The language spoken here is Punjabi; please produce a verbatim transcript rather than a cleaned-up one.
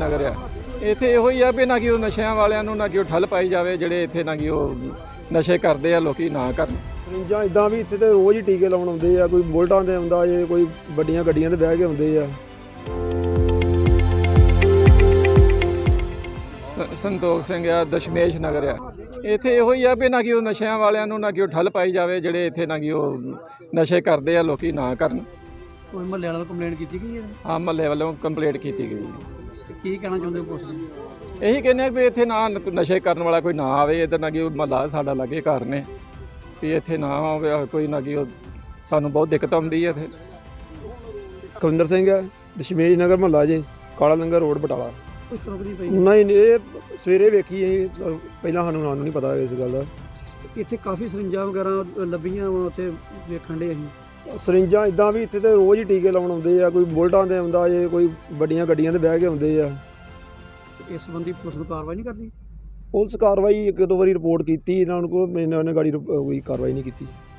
ਨਗਰ ਆ। ਇੱਥੇ ਇਹੋ ਹੀ ਆ ਵੀ ਨਾ ਕਿ ਉਹ ਨਸ਼ਿਆਂ ਵਾਲਿਆਂ ਨੂੰ ਨਾ ਕਿ ਉਹ ਠੱਲ ਪਾਈ ਜਾਵੇ, ਜਿਹੜੇ ਇੱਥੇ ਨਾ ਕਿ ਉਹ ਨਸ਼ੇ ਕਰਦੇ ਆ ਲੋਕੀ ਨਾ ਕਰਨ। ਜਾਂ ਇੱਦਾਂ ਵੀ ਇੱਥੇ ਤੇ ਰੋਜ਼ ਹੀ ਟੀਕੇ ਲਾਉਣ ਆਉਂਦੇ ਆ, ਕੋਈ ਬੁਲਟਾਂ 'ਤੇ ਆਉਂਦਾ ਜੇ, ਕੋਈ ਵੱਡੀਆਂ ਗੱਡੀਆਂ 'ਤੇ ਬਹਿ ਕੇ ਆਉਂਦੇ ਆ। ਸੰਤੋਖ ਸਿੰਘ ਆ, ਦਸ਼ਮੇਸ਼ ਨਗਰ ਆ। ਇੱਥੇ ਇਹੋ ਹੀ ਆ ਵੀ ਨਾ ਕਿ ਉਹ ਨਸ਼ਿਆਂ ਵਾਲਿਆਂ ਨੂੰ ਨਾ ਕਿ ਉਹ ਠੱਲ ਪਾਈ ਜਾਵੇ, ਜਿਹੜੇ ਇੱਥੇ ਨਾ ਕਿ ਉਹ ਨਸ਼ੇ ਕਰਦੇ ਆ ਲੋਕੀ ਨਾ ਕਰਨ। ਕੋਈ ਮਹੱਲੇ ਵਾਲਿਆਂ ਨੂੰ ਕੰਪਲੇਂਟ ਕੀਤੀ ਗਈ ਹੈ? ਹਾਂ, ਮਹੱਲੇ ਵੱਲੋਂ ਕੰਪਲੇਂਟ ਕੀਤੀ ਗਈ। ਕੀ ਕਹਿਣਾ ਚਾਹੁੰਦੇ ਹੋ ਪੁਲਿਸ ਨੂੰ? ਇਹੀ ਕਹਿੰਦੇ ਆ ਵੀ ਇੱਥੇ ਨਾ ਨਸ਼ੇ ਕਰਨ ਵਾਲਾ ਕੋਈ ਨਾ ਆਵੇ, ਇੱਧਰ ਨਾ ਕਿ ਉਹ ਮਹੱਲਾ ਸਾਡਾ ਲਾਗੇ ਘਰ ਨੇ, ਵੀ ਇੱਥੇ ਨਾ ਆਵੇ ਕੋਈ ਨਾ ਕਿ ਉਹ ਸਾਨੂੰ ਬਹੁਤ ਦਿੱਕਤ ਆਉਂਦੀ ਹੈ ਇੱਥੇ। ਕਵਿੰਦਰ ਸਿੰਘ ਹੈ, ਦਸ਼ਮੇਸ਼ ਨਗਰ ਮਹੱਲਾ ਜੇ, ਕਾਲਾ ਲੰਗਰ ਰੋਡ ਬਟਾਲਾ। ਕੋਈ ਰੁਕਦੀ ਪਈ ਨਹੀਂ ਇਹ ਸਵੇਰੇ ਵੇਖੀ ਅਸੀਂ, ਪਹਿਲਾਂ ਸਾਨੂੰ ਨਾਂ ਨੂੰ ਨਹੀਂ ਪਤਾ ਇਸ ਗੱਲ ਦਾ। ਇੱਥੇ ਕਾਫੀ ਸਰਿੰਜਾਂ ਵਗੈਰਾ ਲੱਭੀਆਂ ਵਾ, ਉੱਥੇ ਵੇਖਣ ਦੇ ਅਸੀਂ। ਸਰਿੰਜਾਂ ਇੱਦਾਂ ਵੀ ਇੱਥੇ ਤੇ ਰੋਜ਼ ਹੀ ਟੀਕੇ ਲਾਉਣ ਆਉਂਦੇ ਆ, ਕੋਈ ਬੁਲਟਾਂ 'ਤੇ ਆਉਂਦਾ ਜੇ, ਕੋਈ ਵੱਡੀਆਂ ਗੱਡੀਆਂ 'ਤੇ ਬਹਿ ਕੇ ਆਉਂਦੇ ਆ। ਇਸ ਸੰਬੰਧੀ ਪੁਲਿਸ ਨੂੰ ਕਾਰਵਾਈ ਨਹੀਂ ਕਰਦੀ? ਪੁਲਿਸ ਕਾਰਵਾਈ ਇੱਕ ਦੋ ਵਾਰੀ ਰਿਪੋਰਟ ਕੀਤੀ ਇਹਨਾਂ ਨੂੰ, ਕੋਈ ਇਹਨਾਂ ਨੇ ਗਾੜੀ ਕੋਈ ਕਾਰਵਾਈ ਨਹੀਂ ਕੀਤੀ।